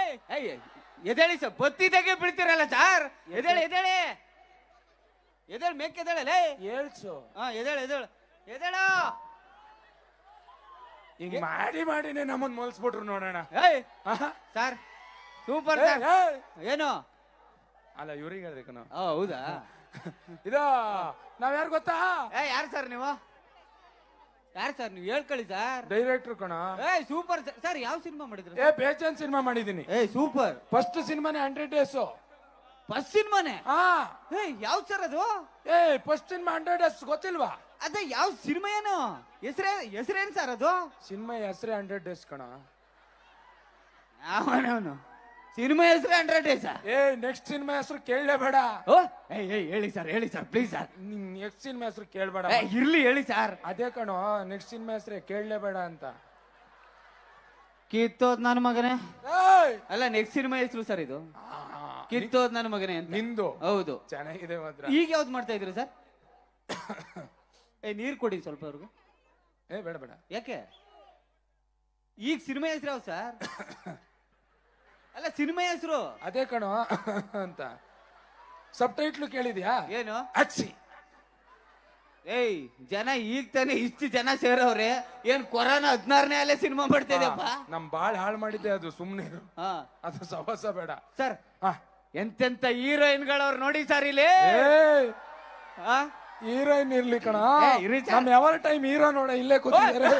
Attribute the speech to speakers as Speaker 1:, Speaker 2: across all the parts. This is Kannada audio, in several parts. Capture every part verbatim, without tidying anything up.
Speaker 1: ಎದೇಳಿ ಸರ್, ಬತ್ತಿದಾಗೆ ಬೀಳ್ತಿರಲ್ಲ ಸರ್. ಎದೇಳಿ ಎದೇಳಿ ಎದೇಳಿ ಮೇಕ್ ಎದೇಳಲೇ
Speaker 2: ಹೇಳ್ಸು.
Speaker 1: ಹಾ ಎದೇಳು ಎದೇಳು ಎದೇಳು.
Speaker 2: ಹಿಂಗ್ ಮಾಡಿ ಮಾಡಿನೇ ನಮ್ಮನ್ ಮೋಲ್ಸ್ಬಿಟ್ರು ನೋಡೋಣ.
Speaker 1: ಏಯ್ ಸರ್ ಸೂಪರ್ ಸರ್. ಏನು
Speaker 2: ಅಲ್ಲ ಇವ್ರಿಗೆ ಹೇಳ್ಬೇಕು ನಾವು.
Speaker 1: ಹೌದಾ
Speaker 2: ಇದು ನಾವ್ ಯಾರು ಗೊತ್ತಾ?
Speaker 1: ಏ ಯಾರು ಸರ್ ನೀವು? ಯಾರು ಸರ್ ನೀವು? ಹೇಳ್ಕೊಳ್ಳಿ ಸರ್.
Speaker 2: ಡೈರೆಕ್ಟರ್ ಕಣ.
Speaker 1: ಏ ಸೂಪರ್ ಸರ್. ಯಾವ ಸಿನಿಮಾ ಮಾಡಿದ್ರು?
Speaker 2: ಏ ಬೇಜಾನ್ ಸಿನಿಮಾ ಮಾಡಿದೀನಿ.
Speaker 1: ಏ ಸೂಪರ್.
Speaker 2: ಫಸ್ಟ್ ಸಿನಿಮಾನೇ ಹಂಡ್ರೆಡ್ ಡೇಸ್.
Speaker 1: ಫಸ್ಟ್ ಸಿನಿಮಾನೇ?
Speaker 2: ಹಾ.
Speaker 1: ಏ ಯಾವ್ ಸರ್ ಅದು?
Speaker 2: ಏ ಫಸ್ಟ್ ಸಿನಿಮಾ ಹಂಡ್ರೆಡ್ ಡೇಸ್ ಗೊತ್ತಿಲ್ವಾ?
Speaker 1: ಅದೇ ಯಾವ ಸಿನಿಮಾ? ಏನು ಹೆಸರೇ ಹೆಸರೇನ್ ಸರ್ ಅದು?
Speaker 2: ಸಿನಿಮಾ ಹೆಸರೇ ಹಂಡ್ರೆಡ್ ಡೇಸ್ ಕಣ.
Speaker 1: ಅವನವನು ಸಿನಿಮಾ ಹೆಸರೇ ಹಂಡ್ರೆಡ್ ಡೇಸ್.
Speaker 2: ಏ ನೆಕ್ಸ್ಟ್ ಸಿನಿಮಾ ಹೆಸರು ಕೇಳಲೇಬೇಡ.
Speaker 1: ಓ ಏ ಹೇಳಿ ಸರ್, ಹೇಳಿ sir please sir.
Speaker 2: Next cinema ಹೆಸರು ಕೇಳಬೇಡ.
Speaker 1: ಇರ್ಲಿ ಹೇಳಿ ಸರ್.
Speaker 2: ಅದೇ ಕಣೋ ನೆಕ್ಸ್ಟ್ ಸಿನಿಮಾ ಹೆಸರೇ ಕೇಳಲೇಬೇಡ ಅಂತ.
Speaker 1: ಕಿತ್ತೋದ್ ನನ್ನ ಮಗನೇ. ಅಲ್ಲ ನೆಕ್ಸ್ಟ್ ಸಿನಿಮಾ ಹೆಸರು ಸರ್ ಇದು. ಕಿತ್ತೋದ್ ನನ್ನ ಮಗನೇ ಅಂತ.
Speaker 2: ನಿಂದು?
Speaker 1: ಹೌದು.
Speaker 2: ಚೆನ್ನಾಗಿದೆ ಮಾತ್ರ.
Speaker 1: ಈಗ ಯಾವ್ದು ಮಾಡ್ತಾ ಇದ್ರಿ ಸರ್? ಏ ನೀರ್ ಕೊಡಿ ಸ್ವಲ್ಪ ಅವ್ರಿಗೆ.
Speaker 2: ಏ ಬೇಡ ಬೇಡ.
Speaker 1: ಯಾಕೆ? ಈಗ ಸಿನಿಮಾ ಹೆಸರು ಯಾವ ಸರ್? ಅಲ್ಲ ಸಿನಿಮಾ ಹೆಸರು
Speaker 2: ಅದೇ ಕಣೋ ಅಂತ. ಸಬ್ ಟೈಟ್ಲು ಕೇಳಿದ್ಯಾ?
Speaker 1: ಏನು?
Speaker 2: ಅಚ್ಚಿ.
Speaker 1: ಏಯ್ ಜನ ಈಗ ತಾನೆ ಇಷ್ಟು ಜನ ಸೇರವ್ರೆ. ಏನ್ ಕೊರೋನಾ ಹದಿನಾರನೇ ಅಲ್ಲೇ ಸಿನಿಮಾ ಮಾಡ್ತಾ ಇದೆಯಪ್ಪ.
Speaker 2: ನಮ್ ಬಾಳ್ ಹಾಳು ಮಾಡಿದ್ದೆ ಅದು. ಸುಮ್ನೆ ಅದು ಸವಸ ಬೇಡ
Speaker 1: ಸರ್. ಎಂತೆಂತ ಹೀರೋಯಿನ್ಗಳವ್ರು ನೋಡಿ ಸರ್ ಇಲ್ಲಿ.
Speaker 2: ಹೀರೋಯಿನ್ ಇರ್ಲಿ ಕಣ. ನಮ್ ಯಾವ ಟೈಮ್ ಹೀರೋ ನೋಡ ಇಲ್ಲೇ ಕೂತಿದ್ದಾರೆ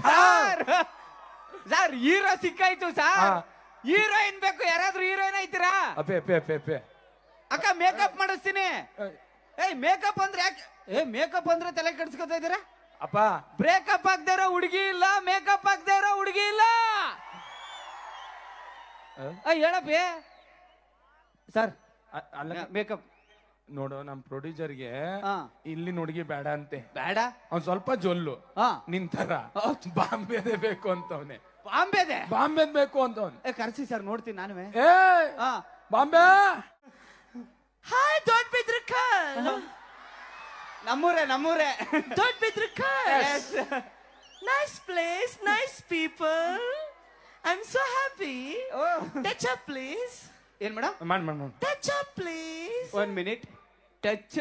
Speaker 1: ಸರ್. ಹೀರೋ ಸಿಕ್ಕಾಯ್ತು ಸರ್. ಹೀರೋಯಿನ್ ಬೇಕು. ಯಾರಾದ್ರೂ ಹೀರೋಯಿನ್ ಐತೀರಾ?
Speaker 2: ಅಪೆ ಅಪೆ ಅಪೆ ಅಪೆ
Speaker 1: ಅಕ್ಕ ಮೇಕಪ್ ಮಾಡಿಸ್ತೀನಿ. ಏಯ್ ಮೇಕಪ್ ಅಂದ್ರೆ ಯಾಕೆ? ಏ ಮೇಕಪ್ ಅಂದ್ರೆ ತಲೆ ಕೆಡ್ಸ್ಕೊತಾ ಇದೀರಾ?
Speaker 2: ಅಪ್ಪ
Speaker 1: ಬ್ರೇಕಪ್ ಆಗದೆ ಇರೋ ಹುಡುಗಿ ಇಲ್ಲ, ಮೇಕಪ್ ಆಗದೆ ಇರೋ ಹುಡುಗಿ ಇಲ್ಲ. ಹೇಳಪ್ಪಿ ಸರ್.
Speaker 2: ಅಲ್ಲ
Speaker 1: ಮೇಕಪ್
Speaker 2: ನೋಡು ನಮ್ ಪ್ರೊಡ್ಯೂಸರ್ಗೆ ಇಲ್ಲಿ ಹುಡುಗಿ ಬೇಡ ಅಂತೆ.
Speaker 1: ಬೇಡ?
Speaker 2: ಅವ್ನ್ ಸ್ವಲ್ಪ ಜೊಲ್ಲು ನಿಂತರ ಬಾಂಬೆದೆ ಬೇಕು ಅಂತವ್ನೆ.
Speaker 1: ಬಾಂಬೆದೆ?
Speaker 2: ಬಾಂಬೆದ್ ಬೇಕು ಅಂತವ್ನೆ.
Speaker 1: ಕರ್ಸಿ ಸರ್ ನೋಡ್ತೀನಿ ನಾನು.
Speaker 2: ಏ ಬಾಂಬೆ.
Speaker 3: ಹಾಯ್ ದೊಡ್ಡ ಬಿದ್ರಕಲ್.
Speaker 1: ನಮ್ಮೂರೇ ನಮ್ಮೂರೇ
Speaker 3: ದೊಡ್ಡ Bidrakal. Nice place, nice people. I am so happy. Touch up please.
Speaker 1: ಏನ್ ಮೇಡಮ್?
Speaker 2: ಮಾಡ್ ಮಾಡ್ ಮಾಡ್.
Speaker 3: Touch up please.
Speaker 1: One minute. Touch.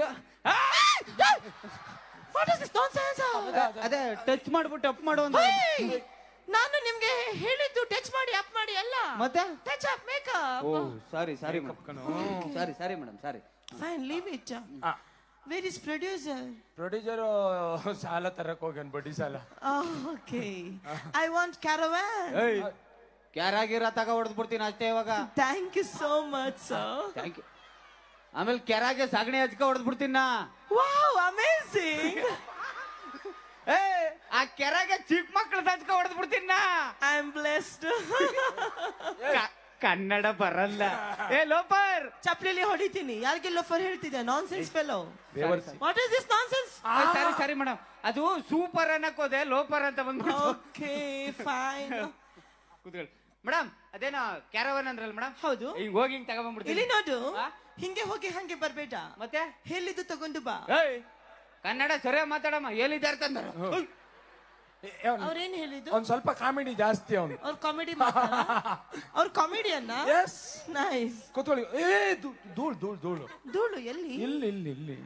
Speaker 3: What is this nonsense?
Speaker 1: ಅದೇ ಟಚ್ ಮಾಡ್ಬಿಟ್ಟು ಅಪ್ ಮಾಡು ಅಂತ.
Speaker 3: ನಾನು ನಿಮ್ಗೆ ಹೇಳಿದ್ದು ಟಚ್ ಮಾಡಿ ಅಪ್ ಮಾಡಿ ಅಲ್ಲ.
Speaker 1: ಮತ್ತೆ
Speaker 3: ಟಚ್ ಅಪ್ ಮೇಕಪ್.
Speaker 1: ಓ sorry sorry madam. Sorry sorry madam sorry.
Speaker 3: Fine leave it. Where is producer?
Speaker 2: Producer ಸಾಲ ತರಕ್ ಹೋಗ್ಯಾನ, ಬಡ್ಡಿ ಸಾಲ.
Speaker 3: ಓಕೆ. I want caravan.
Speaker 1: ಕ್ಯಾರಾಗಿರ ತಗ ಹೊಡೆದ್ ಬಿಡ್ತೀನಿ ಅಷ್ಟೇ ಇವಾಗ.
Speaker 3: Thank you so much sir.
Speaker 1: Thank you. ಆಮೇಲೆ ಕೆರಾಗೆ ಸಗಣಿ ಹಚ್ಕ ಹೊಡೆದ್ ಬಿಡ್ತೀನಿ ನಾ.
Speaker 3: Wow amazing.
Speaker 1: ಏ ಆ ಕೆರಾಗೆ ಚಿಕ್ಕ ಮಕ್ಕಳು ಹಚ್ಕ ಹೊಡೆದ್ ಬಿಡ್ತೀನಿ ನಾ.
Speaker 3: I am blessed.
Speaker 1: ಕನ್ನಡ ಬರಲ್ಲ. ಏ ಲೋಫರ್
Speaker 3: ಚಪ್ಲಿಲಿ ಹೊಡಿತೀನಿ. ಯಾರಿಗೆ ಲೋಫರ್ ಹೇಳ್ತಿದ್ದೆ? Nonsense fellow. What is this nonsense?
Speaker 1: ಸರಿ ಸರಿ ಮೇಡಮ್. ಅದು ಸೂಪರ್ ಅನ್ನಕ್ ಹೋದೆ, ಲೋಫರ್ ಅಂತ ಬಂದ್ಬಿಟ್ಟು.
Speaker 3: Okay fine.
Speaker 1: ಕೂತ್ಕೊಳ್ಳಿ ಮೇಡಮ್. ಅದೇನೋ ಕ್ಯಾರವನ್ ಅಂದ್ರಲ್ಲ ಮೇಡಮ್?
Speaker 3: ಹೌದು.
Speaker 1: ಈಗ ಹೋಗಿ ಹಿಂಗ್ ತಗೊಂಡ್ಬಿಡ್ತೀನಿ.
Speaker 3: ಇಲ್ಲಿ ನೋಡು, ಹಿಂಗೆ ಹೋಗಿ ಹಂಗೆ ಬರ್ಬೇಡ.
Speaker 1: ಮತ್ತೆ
Speaker 3: ಹೇಳಿದ್ದು ತಗೊಂಡು ಬಾ.
Speaker 1: ಕನ್ನಡ ಸರಿಯಾಗಿ ಮಾತಾಡಮ್ಮ. ಎಲ್ಲಿದ್ದಾರೆ ತಂದ್ರ?
Speaker 3: ಅವ್ರೇನ್ ಹೇಳಿದ್ದು?
Speaker 2: ಅವ್ನ್ ಸ್ವಲ್ಪ ಕಾಮಿಡಿ ಜಾಸ್ತಿ. ಅವ್ನು
Speaker 3: ಅವ್ರ ಕಾಮಿಡಿ ಅವ್ರ ಕಾಮಿಡಿಯನ್ನ.
Speaker 2: S
Speaker 3: nice.
Speaker 2: ಕೂತ್ಕೊಳ್ಳಿ. ಏ ಧೂಳ್ ಧೂಳ್ ಧೂಳು
Speaker 3: ಧೂಳು ಎಲ್ಲಿ?
Speaker 2: ಇಲ್ಲಿ ಇಲ್ಲಿ ಇಲ್ಲಿ.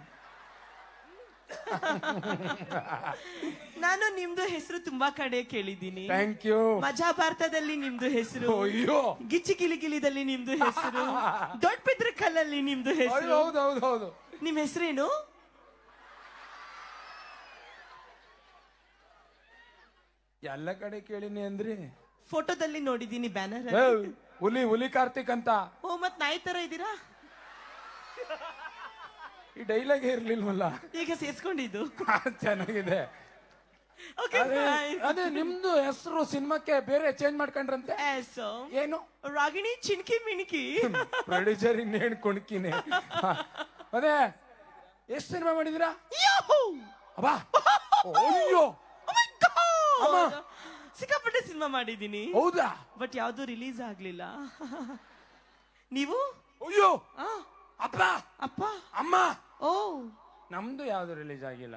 Speaker 3: ನಾನು ನಿಮ್ದು ಹೆಸರು ತುಂಬಾ ಕಡೆ ಕೇಳಿದ್ದೀನಿ.
Speaker 2: Thank you.
Speaker 3: ಮಜಾ ಭಾರತದಲ್ಲಿ ನಿಮ್ದು ಹೆಸರು,
Speaker 2: ಅಯ್ಯೋ
Speaker 3: ಗಿಚ್ಚಿ ಗಿಲಿಗಿಲಿದಲ್ಲಿ ನಿಮ್ದು ಹೆಸರು, ದೊಡ್ಡ ಪಿದ್ರ ಕಲ್ಲಲ್ಲಿ ನಿಮ್ದು ಹೆಸರು.
Speaker 2: ಹೌದು ಹೌದು ಹೌದು.
Speaker 3: ನಿಮ್ ಹೆಸರೇನು?
Speaker 2: ಎಲ್ಲ ಕಡೆ ಕೇಳಿನಿ ಅಂದ್ರಿ.
Speaker 3: ಫೋಟೋದಲ್ಲಿ ನೋಡಿದೀನಿ ಬ್ಯಾನರ್.
Speaker 2: ಹುಲಿ ಹುಲಿ ಕಾರ್ತಿಕ್ ಅಂತ.
Speaker 3: ಓ ಮತ್ ನಾಯಿ ತರ ಇದ್ದೀರಾ?
Speaker 2: ಈ ಡೈಲಾಗ್ ಇರ್ಲಿಲ್ವಲ್ಲ,
Speaker 3: ಈಗ ಸೇರ್ಸ್ಕೊಂಡಿದ್ದು.
Speaker 2: ಚೆನ್ನಾಗಿದೆ. ಅದೇ ನಿಮ್ದು ಹೆಸರು ಸಿನಿಮಾಕ್ಕೆ ಬೇರೆ ಚೇಂಜ್ ಮಾಡ್ಕೊಂಡ್ರಂತೆ. ಏನು?
Speaker 3: ರಾಗಿಣಿ ಚಿನ್ಕಿ ಮಿಣಿಕಿ.
Speaker 2: ಪ್ರೊಡ್ಯೂಸರ್ ಇನ್ನೇನ್ ಕುಣ್ಕಿನೇ. ಅದೇ ಎಷ್ಟು ಸಿನಿಮಾ ಮಾಡಿದಿರಾ? ಅಬ್ಬಾ ಅಯ್ಯೋ
Speaker 3: ಸಿಕ್ಕಾಪಟ್ಟೆ ಸಿನಿಮಾ ಮಾಡಿದೀನಿ.
Speaker 2: ಹೌದಾ?
Speaker 3: ಬಟ್ ಯಾವ್ದು ರಿಲೀಸ್ ಆಗ್ಲಿಲ್ಲ. ನೀವು?
Speaker 2: ಅಯ್ಯೋ ಅಪ್ಪ
Speaker 3: ಅಪ್ಪ
Speaker 2: ಅಮ್ಮ.
Speaker 3: ಓ
Speaker 2: ನಮ್ದು ಯಾವ್ದು ರಿಲೀಸ್ ಆಗಿಲ್ಲ.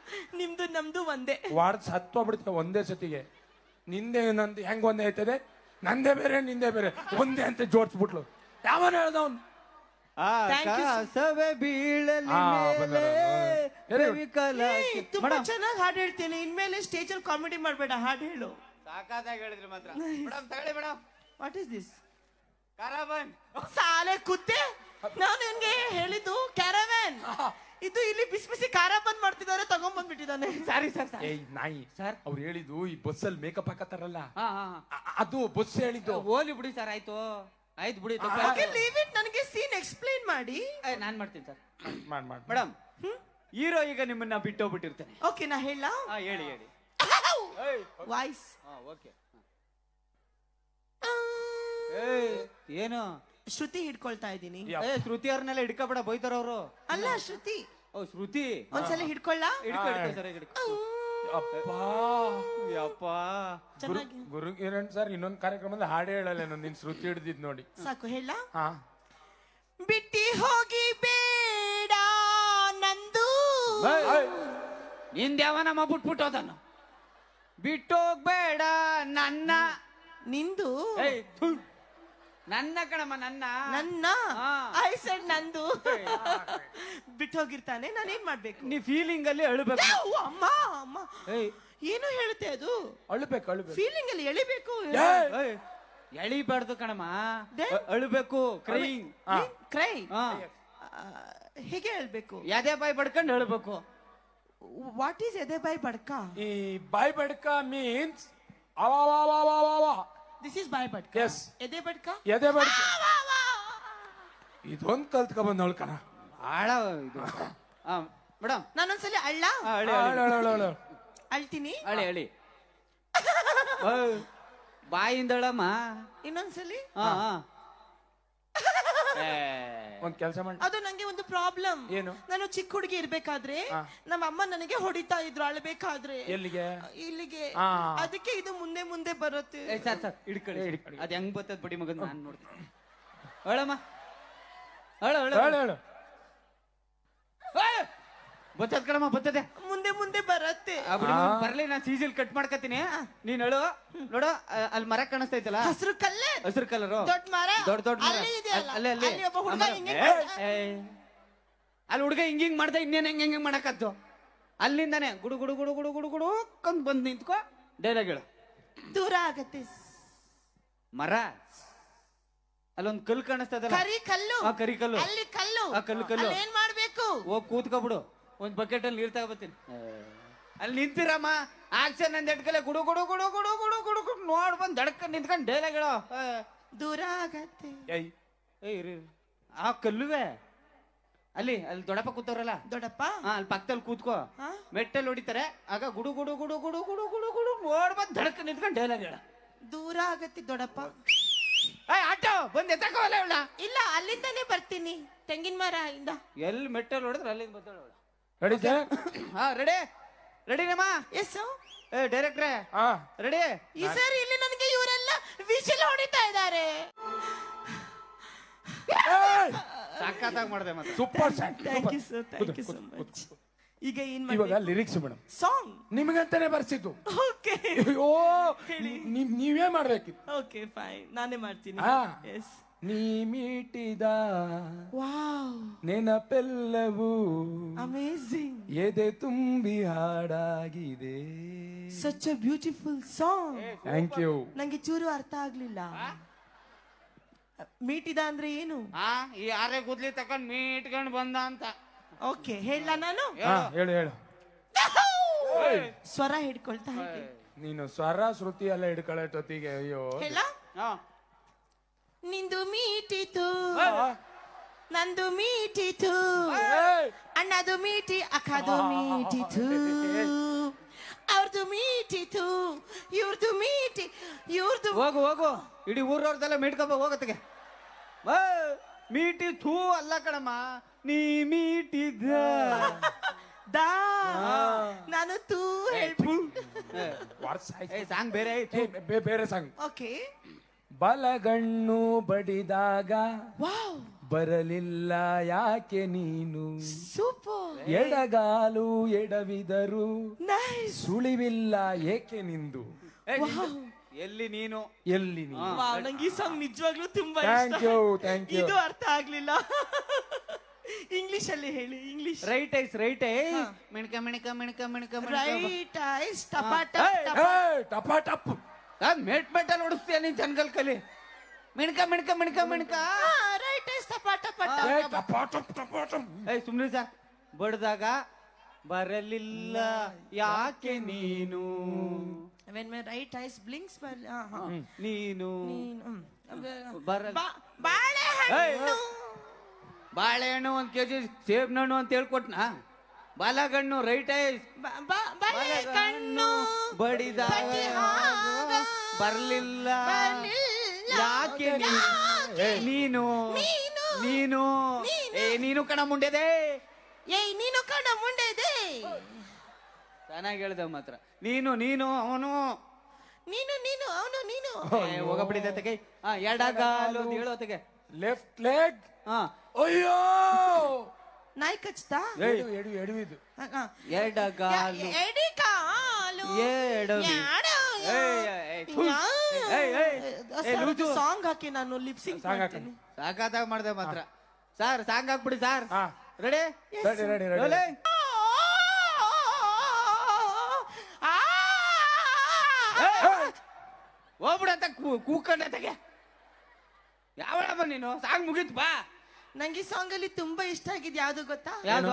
Speaker 3: ನಿಮ್ದು ನಮ್ದು ಒಂದೇ.
Speaker 2: ವಾರ್ಡ್ ಸತ್ತೋಗ್ಬಿಡ್ತೇವೆ ಒಂದೇ ಸತಿಗೆ. ನಿಂದೆ ನಂದು ಹೆಂಗ್ ಒಂದೇ ಆಯ್ತದೆ? ನಂದೇ ಬೇರೆ ನಿಂದೇ ಬೇರೆ ಒಂದೇ ಅಂತ ಜೋಡ್ಸ್ಬಿಟ್ಲು. ಯಾವನ ಹೇಳ್ದವನ್
Speaker 3: Thank you, sir.
Speaker 1: ಆಕಾಶವೇ ಬೀಳಲಿ
Speaker 2: ಆ,
Speaker 1: ಮೇಲೆ
Speaker 2: ಬಂದವ್ರು. Very good.
Speaker 1: ಕವಿಕಲ
Speaker 3: ಏ, ತುಂಬಾ ಚೆನ್ನಾಗಿ ಹಾಡು ಹೇಳ್ತೀನಿ. ಇನ್ಮೇಲೆ ಸ್ಟೇಜ್ ಅಲ್ಲಿ ಕಾಮಿಡಿ ಮಾಡ್ಬೇಡ, ಹಾಡು ಹೇಳು.
Speaker 1: ಸಾಕಾದಾಗಿ ಹೇಳಿದ್ರಿ ಮಾತ್ರ. ಮೇಡಮ್ ತಗೊಳ್ಳಿ madam.
Speaker 3: What is this?
Speaker 1: Caravan.
Speaker 3: ಸಾಲೆ ಕುತ್ತೆ, ನಾನು ನಿನ್ಗೆ ಹೇಳಿದ್ದು ಕ್ಯಾರವ್ಯಾನ್. ಇದು ಇಲ್ಲಿ ಬಿಸಿ ಬಿಸಿ ಖಾರ ಬಂದ್ ಮಾಡ್ತಿದ್ದಾರೆ, ತಗೊಂಡ್ ಬಂದ್ಬಿಟ್ಟಿದ್ದಾನೆ.
Speaker 1: Sorry sir.
Speaker 2: ಏಯ್ ನಾಯಿ
Speaker 1: ಸರ್
Speaker 2: ಅವ್ರು ಹೇಳಿದ್ದು ಈ ಬಸ್ಸಲ್ಲಿ ಮೇಕಪ್ ಹಾಕತ್ತಾರಲ್ಲ
Speaker 1: ಹಾ ಹಾ
Speaker 2: ಅ- ಅದು ಬಸ್ ಹೇಳಿದ್ದು.
Speaker 1: ಹೋಲಿ ಬಿಡಿ ಸರ್. ಆಯ್ತು ಆಯ್ತು ಬಿಡಿ.
Speaker 3: Okay, leave it. ನನಗೆ ಸೀನ್ ಎಕ್ಸ್ಪ್ಲೈನ್ ಮಾಡಿ.
Speaker 1: ನಾನ್ ಮಾಡ್ತೀನಿ ಸರ್.
Speaker 2: ಮಾಡ್ ಮಾಡ್
Speaker 1: ಮೇಡಮ್, ಹೀರೋ ಈಗ ನಿಮ್ಮನ್ನ ಬಿಟ್ಟೋಗ್ಬಿಟ್ಟಿರ್ತಾನೆ.
Speaker 3: ಓಕೆ, ನಾ ಹೇಳ.
Speaker 1: ಹಾ ಹೇಳಿ ಹೇಳಿ.
Speaker 3: ವಾಯ್ಸ್.
Speaker 1: ಹಾ ಓಕೆ. ಏಯ್ ಏನು
Speaker 3: ಶ್ರುತಿ ಹಿಡ್ಕೊಳ್ತಾ ಇದ್ದೀನಿ.
Speaker 1: ಏ ಶ್ರುತಿ ಅವ್ರನ್ನೆಲ್ಲ ಹಿಡ್ಕೊಬೇಡ, ಬೈತಾರ ಅವರು.
Speaker 3: ಅಲ್ಲ ಶ್ರುತಿ,
Speaker 1: ಓ ಶ್ರುತಿ.
Speaker 3: ಒಂದ್ಸಲ ಹಿಡ್ಕೊಳ್ಳ.
Speaker 1: ಹಿಡ್ಕೊ ಹಿಡ್ಕೊ ಸರ್ ಹಿಡ್ಕೊ.
Speaker 2: ಅಪ್ಪಾ
Speaker 1: ಯಪ್ಪ
Speaker 3: ಚೆನ್ನಾಗಿ.
Speaker 2: ಗುರು ಕಿರಣ್ ಸರ್ ಇನ್ನೊಂದು ಕಾರ್ಯಕ್ರಮದಲ್ಲಿ ಹಾಡು ಹೇಳಲ್ಲ ನಿನ್ ಶ್ರುತಿ ಹಿಡ್ದಿದ್ ನೋಡಿ.
Speaker 3: ಸಾಕು ಹೇಳ.
Speaker 2: ಹಾ
Speaker 3: ಬಿಟ್ಟಿ ಹೋಗಿ ಬೇಡ ನಂದು.
Speaker 1: ನಿಂದ್ಯಾವನಮ್ಮ ಬಿಟ್ಬಿಟ್ಟು ಹೋದನು. ಬಿಟ್ಟೋಗ್ಬೇಡ ನನ್ನ.
Speaker 3: ನಿಂದು.
Speaker 1: ಏಯ್, ಥು. ನನ್ನ ಕಣಮ್ಮ ನನ್ನ.
Speaker 3: ನನ್ನ
Speaker 1: ಹಾ.
Speaker 3: ಐ ಸೆಡ್ ನಂದು. ಬಿಟ್ಟು ಹೋಗಿರ್ತಾನೆ, ನಾನೇನ್ ಮಾಡ್ಬೇಕು?
Speaker 1: ನೀ ಫೀಲಿಂಗ್ ಅಲ್ಲಿ ಅಳ್ಬೇಕು.
Speaker 3: ಓ, ಅಮ್ಮ ಅಮ್ಮ
Speaker 1: ಏಯ್
Speaker 3: ಏನು ಹೇಳುತ್ತೆ ಅದು?
Speaker 2: ಅಳ್ಬೇಕು ಅಳ್ಬೇಕು.
Speaker 3: ಫೀಲಿಂಗ್ ಅಲ್ಲಿ ಎಳಿಬೇಕು.
Speaker 1: ಏಯ್, ಎಳಿಬಾರ್ದು ಕಣಮ್ಮ.
Speaker 3: Then?
Speaker 1: ಅ- ಅಳ್ಬೇಕು. ಕ್ರೈಯಿಂಗ್.
Speaker 3: ಕ್ರೈ.
Speaker 1: ಹಾ.
Speaker 3: ಹೇಗೆ ಹೇಳ್ಬೇಕು?
Speaker 1: ಯಾವ್ದೇ ಬಾಯಿ ಬಡ್ಕೊಂಡು ಅಳ್ಬೇಕು.
Speaker 3: ವಾಟ್ ಈಸ್ ಎದೆ ಬಾಯ್ ಬಡ್ಕ?
Speaker 2: ಈ ಬಾಯ್ ಬಡ್ಕ ಮೀನ್ಸ್ ಅವ
Speaker 3: ದಿಸ್ ಇಸ್ ಬಾಯ್ ಬಡ್ಕ.
Speaker 2: Yes.
Speaker 3: ಎದೆ ಬಡ್ಕ.
Speaker 2: ಎದೆ ಬಡ್ಕ ಇದೊಂದ್ ಕಲ್ತ್ಕ ಬಂದವಳು ಕಣ.
Speaker 1: ಆಳ ಇದು. ಮೇಡಮ್
Speaker 3: ನಾನೊಂದ್ಸಲಿ ಅಳ್ಳ
Speaker 1: ಅಳಿ
Speaker 2: ಅಳು, ಅಳು, ಅಳು, ಅಳು.
Speaker 3: ಅಳ್ತೀನಿ.
Speaker 1: ಅಳಿ ಅಳಿ. ಬಾಯಿಂದ ಅಳಮ್ಮ.
Speaker 3: ಇನ್ನೊಂದ್ಸಲಿ.
Speaker 1: ಹಾ ಹಾ. ಏ,
Speaker 2: ಒಂದ್ ಕೆಲಸ ಮಾಡಿ.
Speaker 3: ಅದು ನಂಗೆ ಒಂದು ಪ್ರಾಬ್ಲಮ್.
Speaker 2: ಏನು?
Speaker 3: ನಾನು ಚಿಕ್ಕ ಹುಡುಗಿ ಇರ್ಬೇಕಾದ್ರೆ
Speaker 2: ಹಾ.
Speaker 3: ನಮ್ಮ ಅಮ್ಮ ನನಗೆ ಹೊಡಿತಾ ಇದ್ರು ಅಳ್ಬೇಕಾದ್ರೆ.
Speaker 2: ಎಲ್ಲಿಗೆ?
Speaker 3: ಇಲ್ಲಿಗೆ.
Speaker 2: ಹಾ.
Speaker 3: ಅದಕ್ಕೆ ಇದು ಮುಂದೆ ಮುಂದೆ ಬರುತ್ತೆ.
Speaker 1: ಏ, ಸರ್ ಸರ್ ಹಿಡ್ಕೊಳ್ಳಿ.
Speaker 2: ಏ, ಹಿಡ್ಕೊಳ್ಳಿ.
Speaker 1: ಅದ್ ಹೆಂಗ್ ಬರ್ತದ ಬಡಿ ಮಗನ್ ನಾನ್ ನೋಡ್ತೀನಿ. ಅಳಮ್ಮ ಅಳ ಅಳ
Speaker 2: ಹೇಳು ಹೇಳು.
Speaker 1: ಬತ್ತದ ಕಣಮ್ಮ ಬರ್ತದೆ.
Speaker 3: ಮುಂದೆ ಮುಂದೆ ಬರುತ್ತೆ.
Speaker 1: ಆ ಬಡಿ ಮಗನ್ ಬರ್ಲಿ, ನಾನ್ ಸೀಸಲ್ ಕಟ್ ಮಾಡ್ಕತೀನಿ. ನೀನ್ ಅಳು. ನೋಡು ಅ- ಅಲ್ಲಿ ಮರ ಕಾಣಿಸ್ತೈತಲ್ಲ,
Speaker 3: ಹಸಿರು ಕಲ್ಲೇ.
Speaker 1: ಹಸಿರು ಕಲರು.
Speaker 3: ದೊಡ್ಡ ಮರ.
Speaker 1: ದೊಡ್ಡ ದೊಡ್ಡ ಮರ.
Speaker 3: ಅಲ್ಲಿ ಇದೆಯಲ್ಲ.
Speaker 1: ಅಲ್ಲಿ ಅಲ್ಲಿ
Speaker 3: ಅಲ್ಲಿ ಒಬ್ಬ ಹುಡುಗ
Speaker 1: ಆ ಮರ.
Speaker 3: ಹಿಂಗೆ
Speaker 1: ಏ,
Speaker 3: ಮಾಡ್ದ.
Speaker 1: ಏ. ಅಲ್ಲಿ ಹುಡುಗ ಹಿಂಗ್ ಹಿಂಗ್ ಮಾಡ್ದ, ಇನ್ನೇನ್ ಹೆಂಗ್ ಹೆಂಗ್ ಮಾಡಕತ್ತು. ಅಲ್ಲಿಂದಾನೆ ಗುಡು ಗುಡು ಗುಡು ಗುಡು ಗುಡು ಗುಡು ಕಂದ್ ಬಂದ್ ನಿಂತ್ಕೋ. ಡೈಲಾಗ್ ಹೇಳು.
Speaker 3: ದೂರ ಆಗತ್ತೆ.
Speaker 1: ಮರ ಅಲ್ಲೊಂದ್ ಕಲ್ಲು ಕಾಣಿಸ್ತದಲ್ಲ,
Speaker 3: ಕರಿ ಕಲ್ಲು.
Speaker 1: ಆ ಕರಿ ಕಲ್ಲು.
Speaker 3: ಅಲ್ಲಿ ಕಲ್ಲು.
Speaker 1: ಆ ಕಲ್ಲು ಕಲ್ಲು.
Speaker 3: ಅಲ್ಲಿ ಏನ್ ಮಾಡ್ಬೇಕು?
Speaker 1: ಹೋಗ್ ಕೂತ್ಕೊಬಿಡು. ಒಂದ್ ಬಕೆಟ್ ಅಲ್ಲಿ ನೀರ್ ತಗೋಬತ್ತೀನಿ. ಅಲ್ಲಿ ನಿಂತಿರಮ್ಮ. ಆಕ್ಷನ್ ಅಂದ್ ಎಟ್ಕಲೆ ಗುಡು ಗುಡು ಗುಡು ಗುಡು ಗುಡು ಗುಡು ಗುಡು ನೋಡ್ ಬಂದ್ ದಡ್ಕೊಂಡ್ ನಿಂತ್ಕೊಂಡ್ ಡೈಲಾಗ್ ಹೇಳೋ.
Speaker 3: ದೂರ ಆಗತ್ತೆ.
Speaker 2: ಏಯ್
Speaker 1: ಏ ಇರಿ ಇರಿ. ಆ ಕಲ್ಲುವೆ ಅಲ್ಲಿ ಅಲ್ಲಿ ದೊಡ್ಡಪ್ಪ ಕೂತವ್ರಲ್ಲ,
Speaker 3: ದೊಡ್ಡಪ್ಪ.
Speaker 1: ಹಾ ಅಲ್ಲಿ ಪಕ್ಕದಲ್ಲಿ ಕೂತ್ಕೋ.
Speaker 3: ಹಾ?
Speaker 1: ಮೆಟ್ಟಲ್ಲಿ ಹೊಡಿತಾರೆ. ಆಗ ಗುಡು ಗುಡು ಗುಡು ಗುಡು ಗುಡು ಗುಡು ಗುಡು ನೋಡ್ ಬಂದ್ ದಡ್ಕೊಂಡ್ ನಿಂತ್ಕೊಂಡ್ ಡೈಲಾಗ್ ಹೇಳ.
Speaker 3: ದೂರ ಆಗತ್ತೆ ದೊಡ್ಡಪ್ಪ.
Speaker 1: ಏ ಆಟೋ ಬಂದ್ ಎತ್ತಕೋಲ್ಲ ಇವಳ.
Speaker 3: ಇಲ್ಲ, ಅಲ್ಲಿಂದಾನೇ ಬರ್ತೀನಿ, ತೆಂಗಿನ ಮರ ಇಂದ.
Speaker 1: ಎಲ್ಲಿ ಮೆಟ್ಟಲ್ಲಿ ಹೊಡೆದ್ರೆ ಅಲ್ಲಿಂದ ಬರ್ತಾಳ ಅವಳ.
Speaker 2: Ready sir?
Speaker 1: ಹಾ ರೆಡಿ ರೆಡಿನಮ್ಮ.
Speaker 3: ಎಸ್.
Speaker 1: ಏ ಡೈರೆಕ್ಟ್ರೆ
Speaker 2: ಹಾ
Speaker 1: ರೆಡಿ.
Speaker 3: ಈ ಸರ್ ಇಲ್ಲಿ ನನಗೆ ಇವರೆಲ್ಲ ವಿಷಲ್ ಹೊಡಿತಾ ಇದ್ದಾರೆ.
Speaker 1: ಸಾಕಾತಾಗ ಮಾಡಿದೆ ಮತ್ತೆ.
Speaker 2: Super sir.
Speaker 3: Thank you sir, thank you so much. ಈಗ ಏನ್
Speaker 2: ಇವಾಗ
Speaker 3: ಮಾಡಿ
Speaker 2: ಲಿರಿಕ್ಸ್ ಮೇಡಮ್
Speaker 3: ಸಾಂಗ್.
Speaker 2: ನಿಮಗಂತಾನೆ ಬರ್ಸಿದ್ದು.
Speaker 3: ಓಕೆ
Speaker 2: ಅಯ್ಯೋ ನೀವ್ ನೀವೇ ಮಾಡ್ಬೇಕಿತ್ತು.
Speaker 3: ಓಕೆ ಫೈನ್, ನಾನೇ ಮಾಡ್ತೀನಿ.
Speaker 2: ಹಾ.
Speaker 3: ಎಸ್.
Speaker 2: ನೀ ಮೀಟಿದ
Speaker 3: ವಾವ್,
Speaker 2: ನೆನಪೆಲ್ಲವೂ
Speaker 3: ಅಮೇಜಿಂಗ್.
Speaker 2: ಎದೆ ತುಂಬಿ ಹಾಡಾಗಿದೆ.
Speaker 3: Such a beautiful song.
Speaker 2: Thank you.
Speaker 3: ನಂಗೆ ಚೂರು ಅರ್ಥ ಆಗ್ಲಿಲ್ಲ. ಮೀಟಿದ ಅಂದ್ರೆ ಏನು?
Speaker 1: ಹಾ ಈ ಆರೆ ಕೂದ್ಲಿ ತಕೊಂಡ್ ಮೀಟ್ಕೊಂಡ್ ಬಂದ ಅಂತ.
Speaker 3: ಓಕೆ, ಹೇಳ ನಾನು.
Speaker 2: ಹಾ ಹೇಳು ಹೇಳು.
Speaker 3: ಸ್ವರ ಹಿಡ್ಕೊಳ್ತಾ ಹಾಗೆ.
Speaker 2: ನೀನು ಸ್ವರ ಶ್ರುತಿ ಎಲ್ಲ ಹಿಡ್ಕೊಳ್ಳೋಟೊತ್ತಿಗೆ ಅಯ್ಯೋ.
Speaker 3: ಹೇಳ.
Speaker 1: ಹಾ
Speaker 3: ನಿಂದು ಮೀಟಿತು,
Speaker 2: ಆ,
Speaker 3: ನಂದು ಮೀಟಿತು,
Speaker 2: ಏಯ್!
Speaker 3: ಅಣ್ಣದು ಮೀಟಿ, ಅಕ್ಕದು ಮೀಟಿತು, ಅವ್ರದ್ದು ಮೀಟಿತು, ಇವ್ರದ್ದು ಮೀಟಿ, ಇವ್ರದ್ದು.
Speaker 1: ಹೋಗು ಹೋಗು, ಇಡೀ ಊರವ್ರದೆಲ್ಲ ಮೀಟ್ಕೊಬ ಹೋಗತ್ತಿಗೆ. ಮೀಟಿ ಥೂ ಅಲ್ಲ ಕಣಮ್ಮ, ನೀ ಮೀಟಿದ
Speaker 3: ದಾ ನಾನು ತೂ ಹೇಳ್ಬಿಟ್ಟು.
Speaker 2: ವಾಟ್ಸ್ ಆಯ್ತು.
Speaker 1: ಏ ಸಾಂಗ್ ಬೇರೆ ಐತಿ.
Speaker 2: ಏ, ಬೇ- ಬೇರೆ ಸಾಂಗ್.
Speaker 3: ಓಕೆ.
Speaker 2: ಬಲಗಣ್ಣು ಬಡಿದಾಗ
Speaker 3: ವಾವ್,
Speaker 2: ಬರಲಿಲ್ಲ ಯಾಕೆ ನೀನು,
Speaker 3: ಸೂಪರ್,
Speaker 2: ಎಡಗಾಲು ಎಡವಿದರು
Speaker 3: ನೈಸ್,
Speaker 2: ಸುಳಿವಿಲ್ಲ ಏಕೆ ನಿಂದು.
Speaker 1: ಏ, ನಿಂದು- ಎಲ್ಲಿ ನೀನು
Speaker 2: ಎಲ್ಲಿ ನೀನು
Speaker 3: ವಾವ್, ನಂಗೆ ಈ ಸಾಂಗ್ ನಿಜವಾಗ್ಲೂ ತುಂಬಾ
Speaker 2: ಥ್ಯಾಂಕ್
Speaker 3: ಇಷ್ಟ.
Speaker 2: ಯು ಥ್ಯಾಂಕ್ ಯು
Speaker 3: ಇದು ಅರ್ಥ ಆಗ್ಲಿಲ್ಲ. ಇಂಗ್ಲಿಷ್ ಅಲ್ಲಿ ಹೇಳಿ. English.
Speaker 1: Right eyes right eyes ಮಿಣಕ ಮಿಣಕ ಮಿಣಕ ಮಿಣಕ
Speaker 3: ರೈಟ್ ಐಸ್ ಟಪಾಟ
Speaker 2: ಟಪ ಟಪ್
Speaker 1: ಮೆಟ್ ಮೆಟಲ್ ಹೊಡಿಸ್ತೀಯ ನೀನ್ ಜನಗಲ್ ಕಲಿ. ಮಿಣಕ ಮಿಣಕ ಮಿಣಕ ಮಿಣಕ
Speaker 3: ರೈಟ್ ಐಸ್ ಟಪಾಟ ಪಟ.
Speaker 2: ಟಪ ಟಪ್ ಟಪ ಟಪ್
Speaker 1: ಏಯ್ ಸುಮ್ನೆ ಸರ್, ಬಡ್ದಾಗ ಬರಲಿಲ್ಲ ಯಾಕೆ ನೀನು,
Speaker 3: when my right eyes blinks but uh huh
Speaker 1: ನೀನು
Speaker 3: ನೀನು
Speaker 1: ಬರ
Speaker 3: ಬಾಳೆಹಣ್ಣು.
Speaker 1: ಬಾಳೆಹಣ್ಣು ಒಂದ್ ಕೆಜಿ ಸೇಬ್ನಣ್ಣು ಅಂತ ಹೇಳ್ಕೊಟ್ನಾ. ಬಾಲಗಣ್ಣು ರೈಟ್ ಐಸ್
Speaker 3: ಬಾಳೆಹಣ್ಣು
Speaker 1: ಬಡಿದಾಗ ಬರ್ಲಿಲ್ಲ ಯಾಕೆ ನೀನು ನೀನು ಏ ನೀನು ಕಣ ಮುಂಡೆದೆ.
Speaker 3: ಏಯ್ ನೀನು ಕಣ ಮುಂಡೆದೆ.
Speaker 1: ಚೆನ್ನಾಗಿ ಹೇಳ್ದೆ ಮಾತ್ರ. ನೀನು ನೀನು ಅವನು
Speaker 3: ನೀನು ನೀನು ಅವನು ನೀನು.
Speaker 1: ಹೋಗಬಿಡಿದೆ ತೆಗೆ. ಹಾ ಎಡಗಾಲು ಅಂತ ಹೇಳೋ ತೆಗೆ.
Speaker 2: Left leg.
Speaker 1: ಹಾ
Speaker 2: ಅಯ್ಯೋ
Speaker 3: ನಾಯಿ ಕಚ್ತಾ.
Speaker 2: ಎಡು ಎಡು ಎಡು ಇದು
Speaker 1: ಎಡಗಾಲು
Speaker 3: ಎಡಿ ಕಾಲು
Speaker 1: ಎಡವಿ
Speaker 3: ಸಾಂಗ್ ಹಾಕಿ ನಾನು ಲಿಪ್ಸಿಂಗ್ ಮಾಡ್ತೀನಿ.
Speaker 1: ಸಾಕಾದಾಗ ಮಾಡ್ದೆ ಮಾತ್ರ. ಸರ್ ಸಾಂಗ್ ಹಾಕ್ಬಿಡಿ ಸರ್.
Speaker 2: ಹಾ
Speaker 1: ರೆಡಿ
Speaker 2: ರೆಡಿ ರೆಡಿ ರೆಡಿ
Speaker 1: ಹೋಗ್ಬಿಡಂತ ಕೂಕೊಂಡೆ ತೆಗೆ. ಯಾವಳಮ್ಮ ನೀನು? ಸಾಂಗ್ ಮುಗೀತು ಬಾ.
Speaker 3: ನಂಗೆ ಈ ಸಾಂಗ್ ಅಲ್ಲಿ ತುಂಬಾ ಇಷ್ಟ ಆಗಿದ್ ಯಾವ್ದು ಗೊತ್ತಾ?
Speaker 1: ಯಾವ್ದು?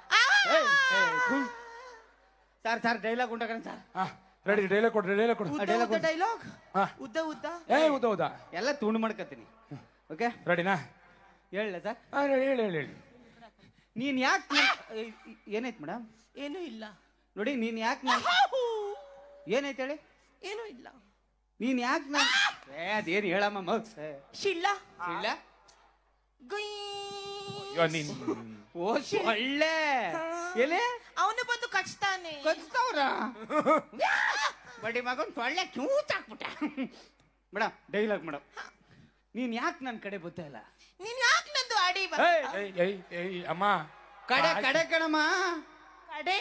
Speaker 1: ಸರ್ ಸರ್ ಡೈಲಾಗ್ ಉಂಟಾಗ ಸರ್.
Speaker 2: ರೆಡಿ ಡೈಲಾಗ್ ಕೊಡ್ರಿ ಡೈಲಾಗ್ ಕೊಡ್ರಿ
Speaker 3: ಉದ್ದ ಡೈಲಾಗ್ ಉದ್ದ ಉದ್ದ
Speaker 2: ಏ ಉದ್ದ ಉದ್ದ
Speaker 1: ಎಲ್ಲ ತುಂಡು ಮಾಡ್ಕತೀನಿ. ಓಕೆ
Speaker 2: ರೆಡಿನಾ?
Speaker 1: ಹೇಳ ಸರ್.
Speaker 2: ಹೇಳಿ ಹೇಳಿ ಹೇಳಿ ಹೇಳಿ.
Speaker 1: ನೀನ್ ಯಾಕೆ ಏನಾಯ್ತು ಮೇಡಮ್?
Speaker 3: ಏನೂ ಇಲ್ಲ
Speaker 1: ನೋಡಿ. ನೀನ್ ಯಾಕೆ ಏನಾಯ್ತು ಹೇಳಿ?
Speaker 3: ಏನೂ ಇಲ್ಲ.
Speaker 1: ನೀನ್ ಯಾಕೆ ನಾನು ಅದೇನು ಹೇಳಮ್ಮ
Speaker 3: ಶಿಲ್ಲ
Speaker 1: ಇಲ್ಲ
Speaker 2: ನೀನ್
Speaker 1: ಓ ಒಳ್ಳೆ ಎಲೆ
Speaker 3: ಅವನು ಬಂದು ಕಚ್ತಾನೆ.
Speaker 1: ಕಚ್ತಾವ್ರ ಬಡಿ ಮಗನ್ ಸೊಳ್ಳೆ ಕ್ಯೂತ್ ಹಾಕ್ಬಿಟ್ಟ. Madam dialogue madam. ನೀನ್ ಯಾಕೆ ನನ್ ಕಡೆ ಬರ್ತಾ ಇಲ್ಲ?
Speaker 3: ನೀನ್ ಯಾಕೆ ನಂದು ಅಡಿ
Speaker 2: ಅಮ್ಮ
Speaker 1: ಕಡೆ ಕಡೆ ಕಣಮ್ಮ.
Speaker 3: ಕಡೆ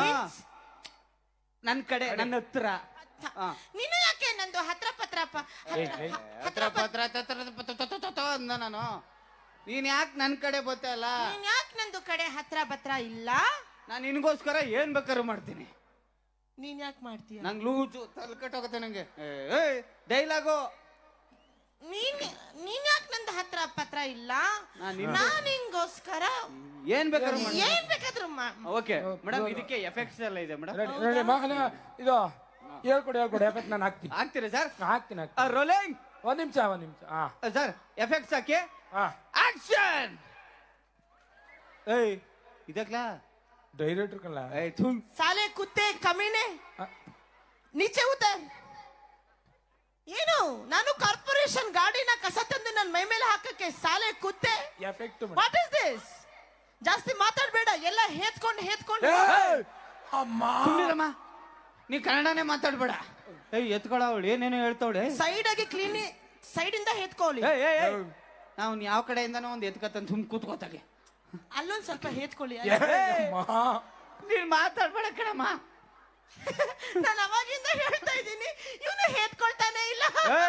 Speaker 1: ನನ್ ಕಡೆ ನನ್ನ ಹತ್ರ.
Speaker 3: ನೀನು ಯಾಕೆ ನಂದು ಹತ್ರ ಪತ್ರ
Speaker 1: ಹತ್ರ ಪತ್ರ ಅಂದ ನಾನು. ನೀನ್ ಯಾಕೆ ನನ್ ಕಡೆ ಬರ್ತಾ ಇಲ್ಲ?
Speaker 3: ನೀನ್ ಯಾಕೆ ನಂದು ಕಡೆ ಹತ್ರ ಪತ್ರ ಇಲ್ಲ?
Speaker 1: ನಾನು ನಿನ್ಗೋಸ್ಕರ ಏನ್ ಬೇಕಾದ್ರೂ ಮಾಡ್ತೀನಿ.
Speaker 3: ನೀನ್ ಯಾಕೆ ಮಾಡ್ತೀಯ?
Speaker 1: ನಂಗೆ ಲೂಜು ತಲ್ಕಟ್ಟೋಗತ್ತೆ ನಂಗೆ. ಡೈಲಾಗು.
Speaker 3: ನೀನ್ ನೀನ್ ಯಾಕೆ ನಂದು ಹತ್ರ ಪತ್ರ ಇಲ್ಲ? ನಾನ್ ನಿಂಗೋಸ್ಕರ
Speaker 1: ಏನ್ ಬೇಕಾದ್ರೂ
Speaker 3: ಏನ್ ಬೇಕಾದ್ರೂ.
Speaker 1: ಓಕೆ ಮೇಡಮ್, ಇದಕ್ಕೆ ಎಫೆಕ್ಟ್ಸ್ ಎಲ್ಲ ಇದೆ ಮೇಡಮ್.
Speaker 2: ಇದು ಹೇಳ್ಕೊಡಿ ಹೇಳ್ಕೊಡಿ ಎಫೆಕ್ಟ್ ನಾನು ಹಾಕ್ತೀನಿ.
Speaker 1: ಹಾಕ್ತೀರಾ ಸರ್?
Speaker 2: ಹಾಕ್ತೀನಿ
Speaker 1: ರೋಲಿಂಗ್.
Speaker 2: ಒಂದ್ ನಿಮಿಷ ಒಂದ್ ನಿಮಿಷ.
Speaker 1: ಸರ್ ಎಫೆಕ್ಟ್ಸ್ ಹಾಕಿ. ಆಕ್ಷನ್. ಏಯ್ ಇದಕ್ಲಾ
Speaker 2: ಡೈರೆಕ್ಟರ್ ಕಲ್ಲ.
Speaker 1: ಏಯ್ ಥುಮ್
Speaker 3: ಸಾಲೆ ಕುತ್ತೆ ಕಮೀನೆ ನೀಚೆ ಉತ್ತರ. ಏನು ನಾನು ಕಾರ್ಪೊರೇಷನ್ ಗಾಡಿನ ಕಸ ತಂದು ನನ್ನ ಮೈ ಮೇಲೆ ಹಾಕಕ್ಕೆ ಸಾಲೆ ಕುತ್ತೆ.
Speaker 2: Effect
Speaker 3: what is this? ಜಾಸ್ತಿ ಮಾತಾಡ್ಬೇಡ. ಎಲ್ಲ ಹೇತ್ಕೊಂಡು ಹೇತ್ಕೊಂಡು.
Speaker 2: ಅಮ್ಮ
Speaker 1: ಸುಮ್ಮನಿರಮ್ಮ, ನೀ ಕನ್ನಡನೇ ಮಾತಾಡ್ಬೇಡ. ಏಯ್ ಎತ್ಕೊಳ ಅವಳು ಏನೇನೋ ಹೇಳ್ತಾವಳೆ.
Speaker 3: ಸೈಡ್ ಆಗಿ ಕ್ಲೀನ್ ಸೈಡ್ ಇಂದ ಹೇತ್ಕೊಳ್ಳಿ.
Speaker 1: ನಾವು ಯಾವ ಕಡೆಯಿಂದನೋ ಒಂದ್ ಎತ್ಕತ್ತಂತ ಸುಮ್ ಕೂತ್ಕೋತಾಗೆ.
Speaker 3: ಅಲ್ಲೊಂದ್ ಸ್ವಲ್ಪ ಹೇತ್ಕೊಳ್ಳಿ.
Speaker 1: ನೀನ್ ಮಾತಾಡ್ಬೇಡ ಕಣಮ್ಮ.
Speaker 3: ನಾನು ಅವಾಗಿಂದ ಹೇಳ್ತಾ ಇದ್ದೀನಿ, ಇವನು ಹೇತ್ಕೊಳ್ತಾನೆ ಇಲ್ಲ.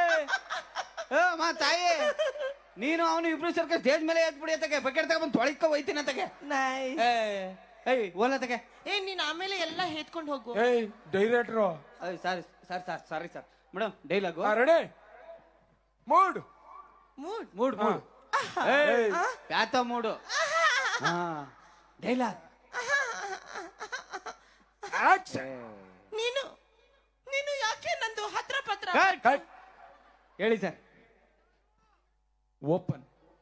Speaker 1: ಮಾ ತಾಯಿ, ನೀನು ಅವನು ಇಬ್ರು ಸರ್ಕ ಸ್ಟೇಜ್ ಮೇಲೆ ಎತ್ಬಿಡಿ ಅತ್ತಗೆ. ಬಕೆಟ್ ತಗೊಂಡ್ ತೊಳಿಕ ಹೋಯ್ತೀನಿ ಅತ್ತಗೆ. ಏಯ್ ಓಲ ತಗೆ.
Speaker 3: ಏ ನೀನ್ ಆಮೇಲೆ ಎಲ್ಲ ಹೇತ್ಕೊಂಡು ಹೋಗು.
Speaker 2: ಏಯ್ director.
Speaker 1: Sorry sir sir sorry sir. Madam dialogue
Speaker 2: ready. Mood
Speaker 3: mood
Speaker 1: mood mood ಪ್ಯಾತ ಮೂಡು. ಡೈಲಾಗ್.
Speaker 3: ನೀನು ನೀನು ಯಾಕೆ ನಂದು ಹತ್ರ ಪತ್ರ?
Speaker 1: ಹೇಳಿ ಸರ್.
Speaker 2: ಓಪನ್.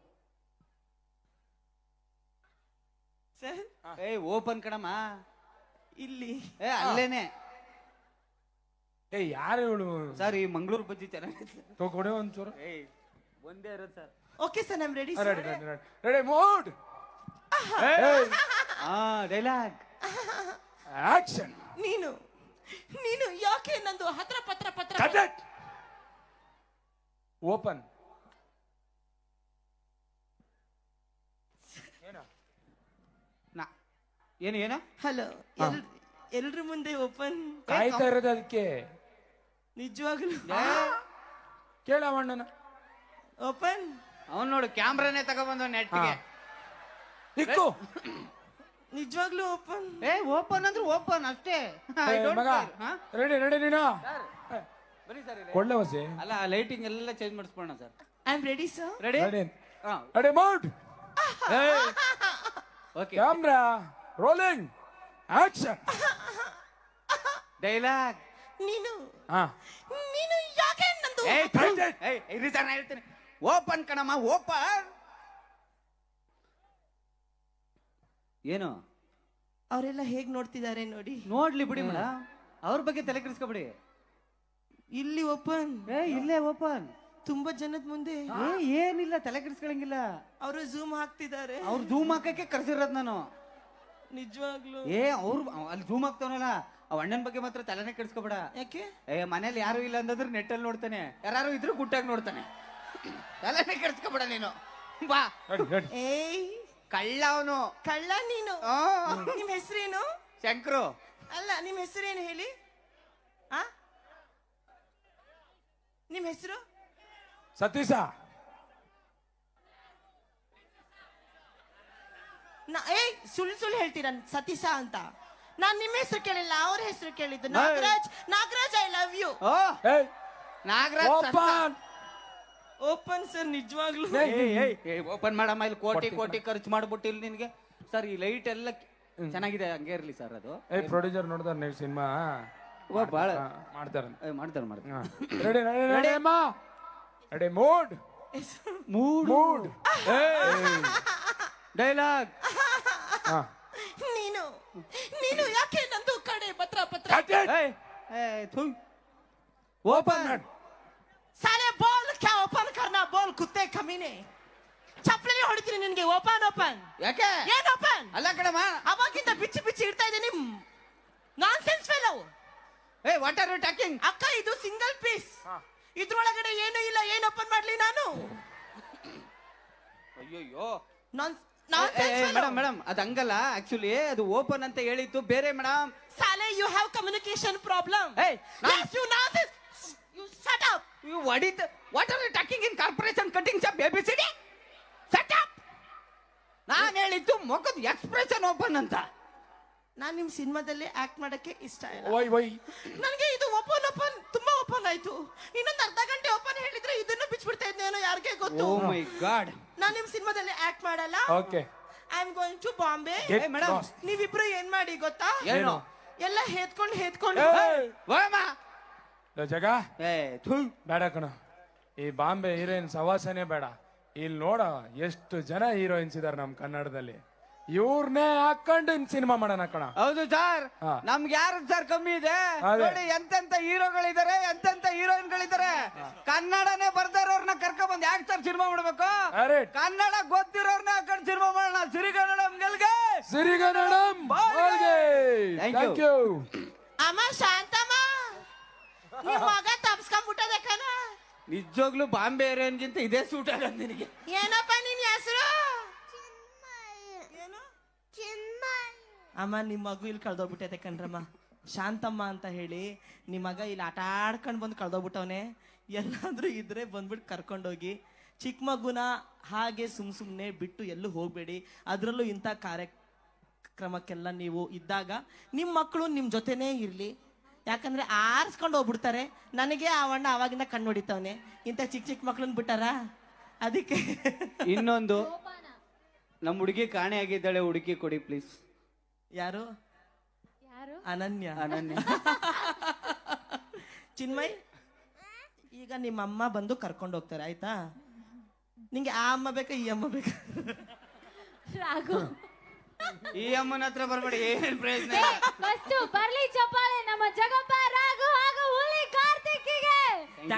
Speaker 3: ಸರ್
Speaker 1: ಏಯ್ ಓಪನ್ ಕಣಮ್ಮ.
Speaker 3: ಇಲ್ಲಿ
Speaker 1: ಏ ಅಲ್ಲೇನೆ.
Speaker 2: ಏ ಯಾರು ಇವಳು?
Speaker 1: ಸರ್ ಈ ಮಂಗಳೂರು ಬಜ್ಜಿ ಚೆನ್ನಾಗಿ
Speaker 2: ಕೊಡೆ ಒಂಚೂರು.
Speaker 1: ಏಯ್ ಒಂದೇ ಇರೋದು sir.
Speaker 3: Okay sir, I am ready.
Speaker 2: Ready ready ready ready. Mood.
Speaker 1: ಹಾ ಡೈಲಾಗ್.
Speaker 2: ಆಕ್ಷನ್.
Speaker 3: ನೀನು ನೀನು ಯಾಕೆ ನಂದು ಹತ್ರ ಪತ್ರ ಪತ್ರ?
Speaker 2: ಕಟ್. ಓಪನ್.
Speaker 1: ನಾ ಏನು ಏನು?
Speaker 3: ಹಲೋ, ಎಲ್ರ ಮುಂದೆ ಓಪನ್.
Speaker 2: ಕಾಯ್ತಾ ಇರೋದು ಅದಕ್ಕೆ.
Speaker 3: ನಿಜವಾಗ್ಲು
Speaker 2: ಕೇಳ ಅಣ್ಣನ
Speaker 3: ಓಪನ್.
Speaker 1: ಅವನ್ ನೋಡು ಕ್ಯಾಮ್ರಾನೇ ತಗೊಬಂದ ನೆಟ್ಗೆ.
Speaker 2: ಇಕ್ಕು
Speaker 3: ನಿಜವಾಗ್ಲು ಓಪನ್.
Speaker 1: ಏ ಓಪನ್ ಅಂದ್ರೆ ಓಪನ್ ಅಷ್ಟೇ.
Speaker 2: ಮಗ ರೆಡಿ ರೆಡಿ ನೀನು
Speaker 1: ಬನ್ನಿ ಸರ್.
Speaker 2: ಕೊಳ್ಳೆ ಹೊಸಿ
Speaker 1: ಅಲ್ಲ ಲೈಟಿಂಗ್ ಎಲ್ಲ ಚೇಂಜ್ ಮಾಡಿಸ್ಬೋಣ sir.
Speaker 3: I am ready sir.
Speaker 1: Ready
Speaker 2: ready ready mount
Speaker 1: okay.
Speaker 2: Camera rolling action
Speaker 1: dialogue.
Speaker 3: ನೀನು
Speaker 2: ಹಾ
Speaker 3: ನೀನು ಯಾಕೆ ನಂದು
Speaker 1: ಇರಿ ಸರ್ ನಾ ಹೇಳ್ತೀನಿ. ಓಪನ್ ಕಣಮ್ಮ ಓಪನ್. ಏನು
Speaker 3: ಅವರೆಲ್ಲ ಹೇಗ್ ನೋಡ್ತಿದ್ದಾರೆ ನೋಡಿ.
Speaker 1: ನೋಡ್ಲಿ ಬಿಡಿ ಮೇಡಮ್, ಅವ್ರ ಬಗ್ಗೆ ತಲೆ ಕೆಡಿಸ್ಕೊಬಿಡಿ.
Speaker 3: ಇಲ್ಲಿ ಓಪನ್.
Speaker 1: ಏ ಇಲ್ಲೇ ಓಪನ್.
Speaker 3: ತುಂಬಾ ಜನದ ಮುಂದೆ
Speaker 1: ಏ ಏನಿಲ್ಲ, ತಲೆ ಕೆಡಿಸ್ಕೊಳಂಗಿಲ್ಲ.
Speaker 3: ಅವರು ಝೂಮ್ ಹಾಕ್ತಿದ್ದಾರೆ.
Speaker 1: ಅವ್ರು ಝೂಮ್ ಹಾಕಕ್ಕೆ ಕರ್ಸಿರೋದ್ ನಾನು.
Speaker 3: ನಿಜವಾಗ್ಲು
Speaker 1: ಏ ಅವ್ರು ಅಲ್ಲಿ ಝೂಮ್ ಹಾಕ್ತಾವನಲ್ಲ, ಅವ್ ಅಣ್ಣನ ಬಗ್ಗೆ ಮಾತ್ರ ತಲೆನೇ ಕೆಡಿಸ್ಕೊಬೇಡ.
Speaker 3: ಯಾಕೆ?
Speaker 1: ಏ ಮನೇಲಿ ಯಾರು ಇಲ್ಲ ಅಂತಂದ್ರೆ ನೆಟ್ಟಲ್ಲಿ ನೋಡ್ತಾನೆ, ಯಾರು ಇದ್ರು ಗುಟ್ಟಾಗಿ ನೋಡ್ತಾನೆ. ತಲೆನೇ ಕೆಡಿಸ್ಕೊಬೇಡ ನೀನು. ಬಾ.
Speaker 3: ಏಯ್
Speaker 1: ಕಳ್ಳ ಅವನು.
Speaker 3: ಕಳ್ಳ ನೀನು. ನಿಮ್ ಹೆಸರೇನು?
Speaker 1: ಶಂಕರು.
Speaker 3: ಅಲ್ಲ ನಿಮ್ ಹೆಸರೇನು ಹೇಳಿ. ಆ ನಿಮ್ ಹೆಸರು?
Speaker 2: ಸತೀಶ.
Speaker 3: ಏಯ್ ಸುಳ್ಳು ಸುಳ್ಳು ಹೇಳ್ತೀರ ಸತೀಶ ಅಂತ. ನಾನ್ ನಿಮ್ ಹೆಸರು ಕೇಳಿಲ್ಲ, ಅವ್ರ ಹೆಸರು ಕೇಳಿದ್ದು. Nagaraj. Nagaraj I love you.
Speaker 1: Nagaraj
Speaker 3: open sir. ನಿಜವಾಗ್ಲು
Speaker 1: ಓಪನ್ ಮಾಡಮ್ಮ. ಇಲ್ಲಿ ಕೋಟಿ ಕೋಟಿ ಖರ್ಚು ಮಾಡ್ಬಿಟ್ಟು ಇಲ್ಲಿ ನಿನ್ಗೆ ಸರ್. ಈ ಲೈಟ್ ಎಲ್ಲ ಚೆನ್ನಾಗಿದೆ, ಹಂಗೆ ಇರ್ಲಿ ಸರ್. ಅದು
Speaker 2: ಏ ಪ್ರೊಡ್ಯೂಸರ್ ನೋಡ್ತಾರ ನೀವು ಸಿನಿಮಾ
Speaker 1: ಬಾಳ
Speaker 2: ಮಾಡ್ತಾರ
Speaker 1: ಮಾಡ್ತಾರೆ ಮಾಡ್ತಾರೆ.
Speaker 2: ರೆಡಿ ರೆಡಿ ಅಮ್ಮ ready mood mood mood
Speaker 1: dialogue.
Speaker 3: ನೀನು ನೀನು ಯಾಕೆ ನಂದು ಕಡೆ ಪತ್ರ ಪತ್ರ
Speaker 1: ಓಪನ್.
Speaker 3: साले बोल क्या ओपन करना बोल कुत्ते कमीने. ಚಪ್ಪಲಿ ಹೊಡಿತೀನಿ ನಿನ್ಗೆ. Open open.
Speaker 1: ಯಾಕೆ?
Speaker 3: ಏನ್ ಓಪನ್?
Speaker 1: ಅಲ್ಲ ಕಣಮ್ಮ,
Speaker 3: ಅವಾಗಿಂದ ಬಿಚ್ಚಿ ಬಿಚ್ಚಿ ಇಡ್ತಾ ಇದ್ದೀನಿ. Nonsense fellow.
Speaker 1: ಏ ವಾಟ್ ಆರ್ ಯು ಟಾಕಿಂಗ್?
Speaker 3: ಅಕ್ಕ ಇದು ಸಿಂಗಲ್ ಪೀಸ್. ಇದ್ರೊಳಗಡೆ ಏನು ಇಲ್ಲ. ಏನ್ ಓಪನ್ ಮಾಡ್ಲಿ ನಾನು?
Speaker 1: ಅಯ್ಯೋ
Speaker 3: non nonsense fellow.
Speaker 1: Madam madam ಅದು ಹಂಗಲ್ಲ. ಆಕ್ಚುಲಿ ಅದು ಓಪನ್ ಅಂತ ಹೇಳಿತ್ತು ಬೇರೆ ಮೇಡಮ್.
Speaker 3: ಸಾಲೆ ಯು ಹ್ಯಾವ್ ಕಮ್ಯುನಿಕೇಶನ್ ಪ್ರಾಬ್ಲಮ್.
Speaker 1: ಏಯ್
Speaker 3: you non you shut up.
Speaker 1: You what is the, what are you talking in corporation cutting shop A B C D? Shut up. ನಾನು ಹೇಳಿದ್ದು ಮುಖದ ಎಕ್ಸ್ಪ್ರೆಷನ್ ಓಪನ್ ಅಂತ.
Speaker 3: ನಾನ್ ನಿಮ್ ಸಿನಿಮಾದಲ್ಲಿ ಆಕ್ಟ್ ಮಾಡಕ್ಕೆ ಇಷ್ಟ ಇಲ್ಲ.
Speaker 2: ವೈ ವೈ
Speaker 3: ನನಗೆ ಇದು ಓಪನ್ ಓಪನ್ ತುಂಬಾ ಓಪನ್ ಆಯ್ತು. ಇನ್ನೊಂದು ಅರ್ಧ ಗಂಟೆ ಓಪನ್ ಹೇಳಿದ್ರೆ ಇದನ್ನು ಬಿಚ್ಚಿಬಿಡ್ತಾ ಇದ್ದೇನೋ ಯಾರಿಗೆ ಗೊತ್ತು.
Speaker 1: ಓ ಮೈ ಗಾಡ್.
Speaker 3: ನಾನ್ ನಿಮ್ ಸಿನಿಮಾದಲ್ಲಿ ಆಕ್ಟ್ ಮಾಡಲ್ಲ.
Speaker 2: Okay
Speaker 3: I am going to Bombay.
Speaker 1: Madam
Speaker 3: ನೀವಿಬ್ರು ಏನ್ ಮಾಡಿ ಗೊತ್ತಾ?
Speaker 1: ಏನು?
Speaker 3: ಎಲ್ಲ ಹೇತ್ಕೊಂಡು ಹೇತ್ಕೊಂಡು
Speaker 1: ಹೋಗಮ್ಮ.
Speaker 2: ಜಗ ಬೇಡ ಕಣ. ಈ ಬಾಂಬೆ ಹೀರೋಯಿನ್ ಸವಾಸನೆ ಬೇಡ. ಇಲ್ಲಿ ನೋಡ ಎಷ್ಟು ಜನ ಹೀರೋಯಿನ್ಸ್ ಇದಾರೆ ನಮ್ ಕನ್ನಡದಲ್ಲಿ. ಇವ್ರನ್ನೇ ಹಾಕೊಂಡು ಸಿನಿಮಾ ಮಾಡೋಣ ಕಣ.
Speaker 1: ಹೌದು ಸರ್. ನಮ್ಗೆ ಯಾರು ಸರ್ ಕಮ್ಮಿ ಇದೆ ನೋಡಿ. ಎಂತೆಂತ ಹೀರೋಗಳಿದ್ದಾರೆ, ಎಂತೆಂತ ಹೀರೋಯಿನ್ಗಳಿದ್ದಾರೆ. ಕನ್ನಡನೇ ಬರ್ದಾರವ್ರನ್ನ ಕರ್ಕೊಂಡ್ ಬಂದ್ ಯಾಕೆ ಸರ್ ಸಿನಿಮಾ ಮಾಡ್ಬೇಕು? ಕನ್ನಡ ಗೊತ್ತಿರೋರ್ನ ಹಾಕೊಂಡು ಸಿನಿಮಾ ಮಾಡೋಣ. ಸಿರಿಗನ್ನಡಂ ಗೆಲ್ಗೆ.
Speaker 2: ಸಿರಿಗನ್ನಡಂ ಬಾಳ್ಗೆ. Thank you.
Speaker 3: ಅಮ್ಮ ಶಾಂತಮ್ಮ, ನಿಮ್ ಮಗ ತಪ್ಸ್ಕೊಂಡ್ಬಿಟ್ಟದೆ ಕಣ.
Speaker 1: ನಿಜವಾಗ್ಲೂ ಬಾಂಬೆ ಏರಿಯನ್ಗಿಂತ ಇದೇ ಸೂಟ್ ಆಗದ್ ನಿನಗೆ.
Speaker 3: ಏನಪ್ಪ ನಿನ್ ಹೆಸರು? ಏನು? ಅಮ್ಮ ನಿಮ್ ಮಗು ಇಲ್ಲಿ ಕಳ್ದೋಗ್ಬಿಟ್ಟೈತೆ ಕಣ್ರಮ್ಮ. ಶಾಂತಮ್ಮ ಅಂತ ಹೇಳಿ ನಿಮ್ ಮಗ ಇಲ್ಲಿ ಆಟ ಆಡ್ಕೊಂಡ್ ಬಂದು ಕಳ್ದೋಗ್ಬಿಟ್ಟವನೆ. ಎಲ್ಲಾದ್ರೂ ಇದ್ರೆ ಬಂದ್ಬಿಟ್ಟು ಕರ್ಕೊಂಡೋಗಿ. ಚಿಕ್ಕ ಮಗುನ ಹಾಗೆ ಸುಮ್ ಸುಮ್ನೆ ಬಿಟ್ಟು ಎಲ್ಲೂ ಹೋಗ್ಬೇಡಿ. ಅದ್ರಲ್ಲೂ ಇಂಥ ಕಾರ್ಯಕ್ರಮಕ್ಕೆಲ್ಲ ನೀವು ಇದ್ದಾಗ ನಿಮ್ ಮಕ್ಕಳು ನಿಮ್ ಜೊತೆನೇ ಇರ್ಲಿ. ಯಾಕಂದ್ರೆ ಆರಿಸ್ಕೊಂಡು ಹೋಗ್ಬಿಡ್ತಾರೆ. ನನಗೆ ಆ ಅಣ್ಣ ಅವಾಗಿಂದ ಕಣ್ಣು ಹೊಡಿತಾವನೆ. ಇಂಥ ಚಿಕ್ಕ ಚಿಕ್ಕ ಮಕ್ಳನ್ನ ಬಿಟ್ಟಾರ. ಅದಕ್ಕೆ
Speaker 1: ಇನ್ನೊಂದು, ನಮ್ಮ ಹುಡುಗಿ ಕಾಣೆ ಆಗಿದ್ದಾಳೆ, ಹುಡುಗಿ ಕೊಡಿ ಪ್ಲೀಸ್.
Speaker 3: ಯಾರು? ಅನನ್ಯ.
Speaker 1: ಅನನ್ಯ.
Speaker 3: ಚಿನ್ಮಯ್, ಈಗ ನಿಮ್ಮ ಅಮ್ಮ ಬಂದು ಕರ್ಕೊಂಡು ಹೋಗ್ತಾರೆ ಆಯ್ತಾ? ನಿಂಗೆ ಆ ಅಮ್ಮ ಬೇಕಾ ಈ ಅಮ್ಮ ಬೇಕಾ?
Speaker 4: ರಾಘು,
Speaker 1: ಈ ಅಮ್ಮನ ಹತ್ರ ಬರ್ಬೇಡಿ, ಏನ್ ಪ್ರಯೋಜನ?
Speaker 4: ಫಸ್ಟ್ ಬರ್ಲಿ ಚಪ್ಪಾಳೆ ನಮ್ಮ ಜಗಪ್ಪ ರಾಘು.